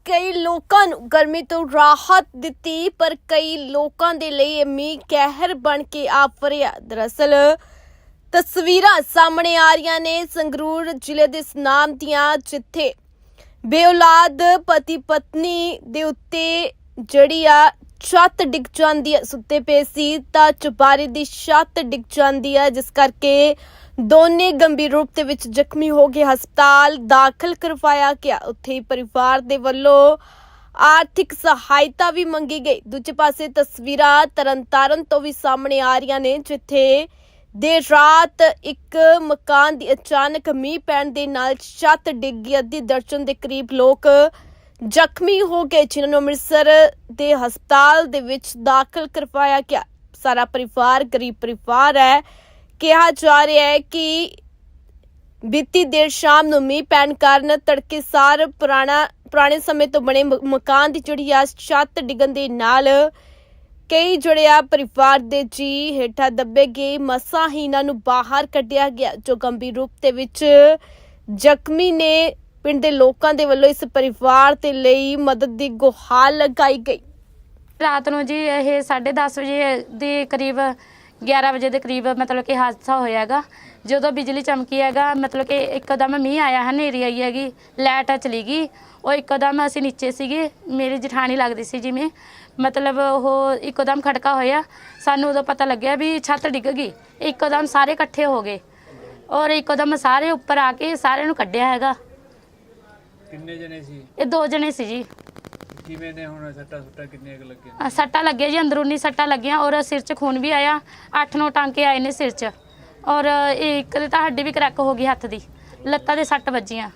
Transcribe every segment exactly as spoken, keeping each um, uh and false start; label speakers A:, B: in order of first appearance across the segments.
A: कई लोगों नूं गर्मी तो राहत दिती, पर कई लोगों के लिए मीह कहर बन के आ वरिया। दरअसल तस्वीरां सामने आ रही ने संगरूर जिले दे सनाम दियां, जिथे बेऔलाद पति पत्नी दे उत्ते जड़ी आ छत डिग जांदी है। सुत्ते पे सी तां चुबारे दी छत डिग जांदी है, जिस करके दोने गंभीर रूप दे विच जख्मी हो गए हस्पताल दाखिल करवाया गया। उत्थे परिवार दे वल्लों आर्थिक सहायता भी मंगी गई। दूजे पासे तस्वीरां तरनतारन तो भी सामने आ रही ने, जिथे देर रात एक मकान दी अचानक मीह पैण दे नाल छत डिग गई। अद्धी दर्जन दे करीब लोग जख्मी हो गए, जिन्होंने अमृतसर दे हस्पताल दे विच दाखिल करवाया गया। सारा परिवार गरीब परिवार है। कहा जा रहा है कि बीती देर शाम नूं मीह पैण कारण तड़के सार पुराना पुराने समय तो बने मकान की जिहड़ी आ छत डिगन दे नाल कई जिहड़े आ परिवार दे जी हेठा दबे गए। मसां ही इन्हां नूं बाहर कढिया गया। जो गंभीर रूप दे विच जख्मी ने, पिंड दे लोकां दे वल्लों इस परिवार दे लई मदद दी गुहार लगाई गई।
B: रात नूं जी ये साढ़े दस बजे के करीब ग्यारह बजे के करीब मतलब कि हादसा होया हैगा। जो बिजली चमकी हैगा, मतलब कि एकदम मीह आया है, हनेरी आई हैगी, लाइट चली गई। वो एकदम असीं नीचे सीगे, मेरी जठानी लगदी सी जिवें, मतलब वो एकदम खड़का होया। सानूं उदों पता लग्या भी छत डिग गई। एकदम सारे इकट्ठे हो गए और एकदम सारे उपर आके सारे नूं कढिया हैगा।
C: किन्ने जने सी?
B: ये दो जने सी जी।
C: किवें ने हुण सट्टा सुट्टा किन्ने क लगे?
B: आ, सट्टा लगे जी, अंदरूनी सट्टा लगियां और सिर च खून भी आया। अठ नौ टांके आए ने सिर च, और एक तो हड्डी भी क्रैक हो गई हत्थ दी, लत्तां दे सੱਟ ਵੱਜੀਆਂ।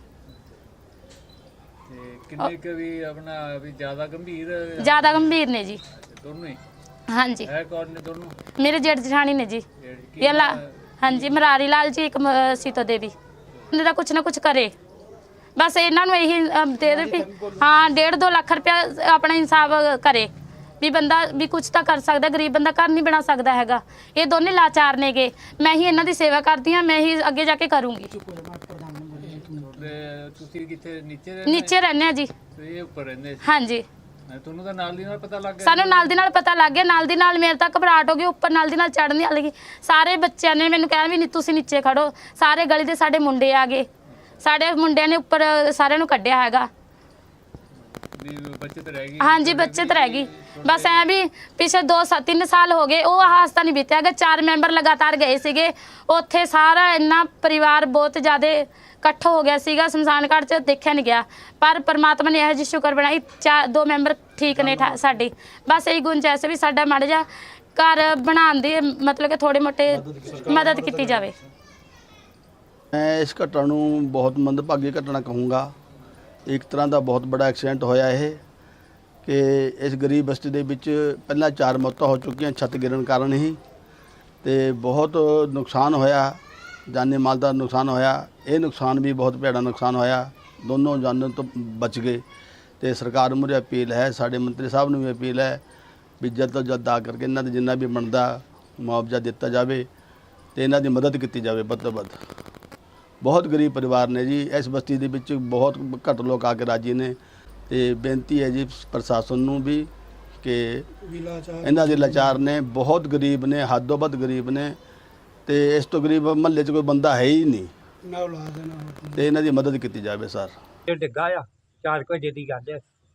C: ते किन्ने क भी अपना भी ज्यादा गंभीर?
B: ज्यादा गंभीर ने जी
C: दोनों ही?
B: हाँ जी।
C: है कौन ने दोनों?
B: मेरे जेठ जठानी ने जी।
C: की
B: ये ला हाँ जी, मरारी लाल जी, एक म- सीतो देवी। इन्हें कुछ ना कुछ करे, बस इन्हों यही दे दे भी हाँ डेढ़ दो लाख रुपया अपना इंसाफ करे भी बंदा भी कुछ तो कर सकता। गरीब बंदा घर नहीं बना सकता हैगा। ये दोनों लाचार ने गे। मैं ही इन्हों की सेवा करती हाँ, मैं ही अगे जाके करूँगी।
C: ਤੁਸੀਂ ਕਿੱਥੇ ਨੀਚੇ ਰਹਿੰਦੇ?
B: नीचे रहने जी।
C: ਇਹ ਉੱਪਰ ਰਹਿੰਦੇ ਸੀ?
B: हाँ जी।
C: ਤੁਹਾਨੂੰ ਤਾਂ ਨਾਲ ਦੀ ਨਾਲ ਪਤਾ ਲੱਗ ਗਿਆ?
B: सानू नाल दी नाल पता लग गया। नाल दी नाल मेरे तक घबराहट हो गई, उपर नाल दी नाल चढ़ने लगी। सारे बच्चों ने मैंने कहा भी नहीं तुसीं नीचे खड़ो। सारे गली दे साडे मुंडे आ गए, साडे मुंडिਆਂ ने उपर सारे नूं कढिया हैगा।
C: ਵੀ ਬਚਤ ਰਹਿ ਗਈ?
B: हाँ जी, बचत रह गई। बस ऐ भी पिछले दो सा तीन साल हो गए वो हादसा नहीं बीत्या हैगा। चार मैंबर लगातार गए सीगे उत्थे, सारा इन्ना परिवार बहुत ज़्यादा इकट्ठा हो गया सीगा। शमशान घाट च देखा नहीं गया, पर परमात्मा ने यह जी शुक्र बनाई, चार दो मैंबर ठीक ने साडी। बस यही गुंजाइश भी साडा माड़ा जा घर बनाने दी, मतलब कि थोड़ी मोटी मदद की जाए।
D: मैं इस घटना नूं बहुत मंदभागी घटना कहूँगा। एक तरह का बहुत बड़ा एक्सीडेंट होया है कि इस गरीब बस्ती दे विच पहला चार मौतां हो चुकियां छत गिरन कारण ही, ते बहुत नुकसान होया, जानी माल का नुकसान होया। ये नुकसान भी बहुत भैड़ा नुकसान होया, दोनों जानन तो बच गए। तो सरकार मुरे अपील है, साडे मंत्री साहब नूं भी अपील है भी जल्द तो जल्द आ करके इन्हां दे जिन्ना भी बनदा मुआवजा दिता जाए तो इन्हां दी मदद की जाए वध तो वध। बहुत गरीब परिवार ने जी, इस बस्ती दे विच बहुत घट लोग आके राजी ने। तो बेनती है जी प्रशासन नूं भी कि इन्हां दे लाचार ने, बहुत गरीब ने, हदों वध गरीब ने। तो इस तो गरीब महल्ले च कोई बंदा है ही नहीं, तो इन्हां दी मदद की जाए सर।
E: ਇਹ ਡਿੱਗਾ ਆ ਚਾਰ ਕੁ ਵਜੇ ਦੀ ਗੱਲ ਹੈ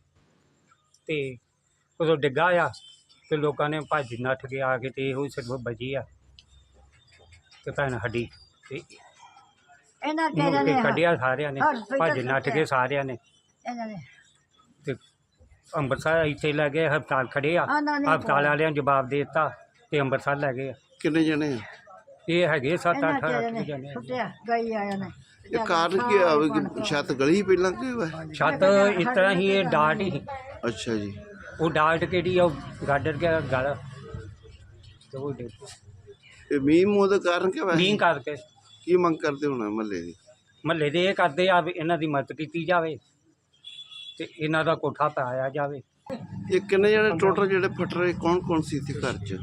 E: ਤੇ ਉਦੋਂ ਡਿੱਗਾ ਆ ਤੇ ਲੋਕਾਂ ਨੇ ਭੱਜ ਨੱਠ ਕੇ ਆ ਕੇ ਤੇ ਇਹੋ ਸਿਰਫ ਬਚੀ ਆ ਤੇ ਭੈਣ ਸਾਡੀ ਤੇ
F: ਇਹਨਾਂ
E: ਮੁੜ
F: ਕਿਹਨਾਂ
E: ਕੇ
F: ਨੇ
E: ਕੱਢਿਆ ਸਾਰਿਆਂ ਨੇ, ਭੱਜ ਨੱਠ ਕੇ ਸਾਰਿਆਂ ਨੇ
F: ਇਹਨਾਂ ਨੇ
E: ਤੇ ਅੰਮ੍ਰਿਤਸਰ ਇੱਥੇ ਲੈ ਗਏ, ਹਸਪਤਾਲ ਖੜੇ ਆ।
F: ਉਹਨਾਂ ਨੇ
E: ਹਸਪਤਾਲ ਵਾਲਿਆਂ ਨੇ ਜਵਾਬ ਦੇ ਦਿੱਤਾ ਤੇ ਅੰਮ੍ਰਿਤਸਰ ਲੈ ਗਏ ਆ।
G: ਕਿੰਨੇ ਜਣੇ ਆ?
E: ਇਹ ਹੈਗੇ ਸੱਤ
F: ਇਹਨਾਂ
E: ਅੱਠ
F: ਕਿਹੜੇ
E: ਅੱਠ
F: ਨੇ
E: ਜਣੇ ਆ।
F: ਸੁੱਟਿਆ ਗਈ ਆਇਆ ਨੇ।
G: ਇਹ ਕਾਰਨ ਕੀ ਆ ਵੀ ਕਿ ਛੱਤ ਗਲੀ ਪਹਿਲਾਂ ਕਿ ਹੋਇਆ?
E: ਛੱਤ ਇਸ ਤਰ੍ਹਾਂ ਹੀ ਇਹ ਡਾਟ ਹੀ
G: ਅੱਛਾ ਜੀ।
E: ਉਹ ਡਾਟ ਕਿਹੜੀ ਆ ਉਹ ਗਾਡਰ ਕੇ ਗਲ ਤੇ ਉਹ ਡਿੱਗ
G: ਇਹ ਮੀਂਹ ਮੂੰਹ ਦਾ ਕਾਰਨ ਕੀ ਹੋਇਆ?
E: ਮੀਂਹ ਕਰਕੇ
G: ਕੀ ਮੰਗ ਕਰਦੇ ਹੋਣਾ ਮਹੱਲੇ ਦੀ?
E: ਮਹੱਲੇ ਦੇ ਇਹ ਕਰਦੇ ਆ ਵੀ ਇਹਨਾਂ ਦੀ ਮਦਦ ਕੀਤੀ ਜਾਵੇ ਤੇ ਇਹਨਾਂ ਦਾ ਕੋਠਾ ਪਾਇਆ ਜਾਵੇ।
G: ਇਹ ਕਿੰਨੇ ਜਣੇ ਟੋਟਲ ਜਿਹੜੇ ਫਟ ਰਹੇ, ਕੌਣ ਕੌਣ ਸੀ ਇੱਥੇ ਘਰ 'ਚ?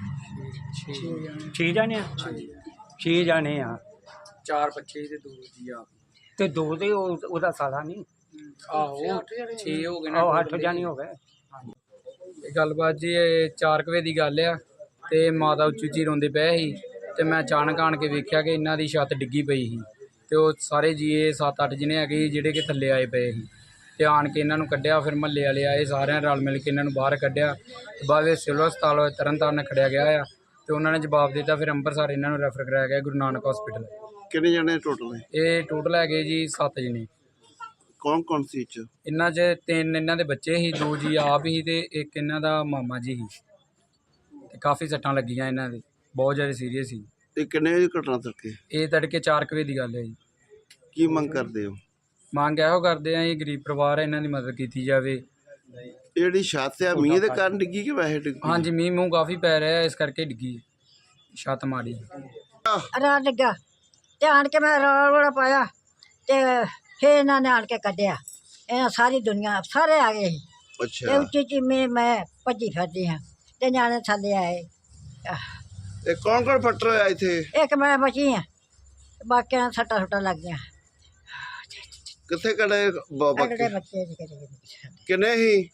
E: ਛੇ ਜਾਣੇ ਆ? ਛੇ ਜਾਣੇ ਆ।
C: ਚਾਰ ਬੱਚੇ ਤੇ ਦੋ ਜੀ ਆ।
E: ਤੇ ਦੋ ਦੇ ਉਹ ਉਹਦਾ ਸਾਲਾ ਨਹੀਂ
H: ਆਹੋ ਛੇ ਹੋ ਗਏ ਨਾ
E: ਆਹ ਅੱਠ
H: total
E: ਜਾਣੀ ਹੋ ਗਏ।
H: ਇਹ ਗੱਲਬਾਤ ਜੀ ਇਹ ਚਾਰ ਕੁ ਵਜੇ ਦੀ ਗੱਲ ਆ ਤੇ ਮਾਤਾ ਉੱਚੀ ਉੱਚੀ ਰੋਂਦੇ ਪਏ ਸੀ ਤੇ ਮੈਂ ਅਚਾਨਕ ਆਣ ਕੇ ਵੇਖਿਆ ਕਿ ਇਹਨਾਂ ਦੀ ਛੱਤ ਡਿੱਗੀ ਪਈ ਸੀ ਤੇ ਉਹ ਸਾਰੇ ਜੀਏ ਸੱਤ ਅੱਠ ਜਣੇ ਹੈਗੇ ਸੀ ਜਿਹੜੇ ਕਿ ਥੱਲੇ ਆਏ ਪਏ ਸੀ ਤੇ ਆਣ ਕੇ ਇਹਨਾਂ ਨੂੰ ਕੱਢਿਆ। ਫਿਰ ਮਹੱਲੇ ਵਾਲੇ ਆਏ, ਸਾਰਿਆਂ ਰਲ ਮਿਲ ਕੇ ਇਹਨਾਂ ਨੂੰ ਬਾਹਰ ਕੱਢਿਆ ਤੇ ਬਾਅਦ ਵਿੱਚ ਸਿਵਲ ਹਸਪਤਾਲ ਤਰਨਤਾਰਨ ਖੜਿਆ ਗਿਆ ਆ ਤੇ ਉਹਨਾਂ ਨੇ ਜਵਾਬ ਦਿੱਤਾ। ਫਿਰ ਅੰਮ੍ਰਿਤਸਰ ਇਹਨਾਂ ਨੂੰ ਰੈਫਰ ਕਰਾਇਆ ਗਿਆ ਗੁਰੂ ਨਾਨਕ ਹਸਪੀਟਲ।
G: ਕਿੰਨੇ ਜਣੇ ਟੋਟਲ ਹੈ?
H: ਇਹ ਟੋਟਲ ਹੈਗੇ ਜੀ ਸੱਤ ਜਣੇ।
G: ਕੌਣ ਕੌਣ ਸੀ ਇਹ 'ਚ?
H: ਇਹਨਾਂ 'ਚ ਤਿੰਨ ਇਹਨਾਂ ਦੇ ਬੱਚੇ ਸੀ, ਦੋ ਜੀ ਆਪ ਹੀ ਤੇ ਇੱਕ ਇਹਨਾਂ ਦਾ ਮਾਮਾ ਜੀ ਸੀ ਤੇ ਕਾਫੀ ਸੱਟਾਂ ਲੱਗੀਆਂ ਇਹਨਾਂ ਦੇ, ਬਹੁਤ ਜ਼ਿਆਦਾ ਸੀਰੀਅਸ ਸੀ।
G: ਇਹ ਕਿੰਨੇ ਵਜੇ ਘਟਨਾ ਤੱਕੇ?
H: ਇਹ ਤੜਕੇ ਚਾਰ ਕੁ ਵਜੇ ਦੀ ਗੱਲ ਹੈ ਜੀ।
G: ਕੀ ਮੰਗ ਕਰਦੇ ਹੋ?
H: ਮੰਗ ਇਹੋ ਕਰਦੇ ਆ ਜੀ ਗਰੀਬ ਪਰਿਵਾਰ ਹੈ, ਇਹਨਾਂ ਦੀ ਮਦਦ ਕੀਤੀ ਜਾਵੇ।
G: ਇਹ ਜਿਹੜੀ ਛੱਤ ਆ ਮੀਂਹ ਦੇ ਕਾਰਨ ਡਿੱਗੀ ਕਿ ਵੈਸੇ ਡਿੱਗੀ?
H: ਹਾਂਜੀ ਮੀਂਹ ਮੂੰਹ ਕਾਫੀ ਪੈ ਰਿਹਾ ਇਸ ਕਰਕੇ ਡਿੱਗੀ ਛੱਤ ਮਾੜੀ।
F: ਰਾਤ ਲੱਗਾ ਤੇ ਆਣ ਕੇ ਮੈਂ ਰੌਲਾ ਰੌਲਾ ਪਾਇਆ ਤੇ ਫਿਰ ਇਹਨਾਂ ਨੇ ਆਣ ਕੇ ਕੱਢਿਆ। ਇਹਨਾਂ ਸਾਰੀ ਦੁਨੀਆ ਸਾਰੇ ਆ ਗਏ ਸੀ ਤੇ
G: ਅੱਛਾ,
F: ਉੱਚੀ ਉੱਚੀ ਮੈਂ ਮੈਂ ਭੱਜੀ ਫਿਰਦੀ ਹਾਂ ਤੇ ਨਿਆਣੇ ਥੱਲੇ ਆਏ।
G: ਇਹ ਕੌਣ ਕੌਣ ਫੱਟਰ ਹੋਇਆ ਇੱਥੇ?
F: ਇੱਕ ਮੈਂ ਬਚੀ ਹਾਂ, ਬਾਕੀਆਂ ਨੂੰ ਸੱਟਾਂ ਸੁੱਟਾਂ ਲੱਗ ਗਈਆਂ।
G: ਕਿੱਥੇ ਕੜੇ
F: ਅਗਲੇ
G: ਬਾਕੀ
F: ਬੱਚੇ ਜੀ ਕਿਹੜੇ ਕਿਹੜੇ
G: ਕਿੰਨੇ ਹੀ?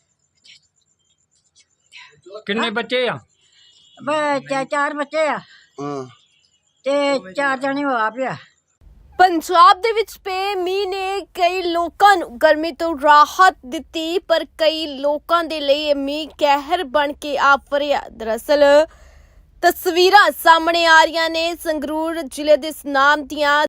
E: ਕਿੰਨੇ ਬੱਚੇ ਆ?
F: ਬਈ ਚਾ- ਚਾਰ ਬੱਚੇ ਆ
G: ਹਾਂ,
F: ਤੇ ਚਾਰ ਜਣੇ ਹੋ ਆ ਪਿਆ।
A: ਪੰਜਾਬ ਦੇ ਵਿੱਚ ਪਏ ਮੀਂਹ ਨੇ ਕਈ ਲੋਕਾਂ ਨੂੰ ਗਰਮੀ ਤੋਂ ਰਾਹਤ ਦਿੱਤੀ, ਪਰ ਕਈ ਲੋਕਾਂ ਦੇ ਲਈ ਇਹ ਮੀਂਹ ਕਹਿਰ ਬਣ ਕੇ ਆ ਵੜਿਆ। ਦਰਅਸਲ ਤਸਵੀਰਾਂ ਸਾਹਮਣੇ ਆ ਰਹੀਆਂ ਨੇ ਸੰਗਰੂਰ ਜ਼ਿਲ੍ਹੇ ਦੇ ਸੁਨਾਮ ਦੀਆਂ,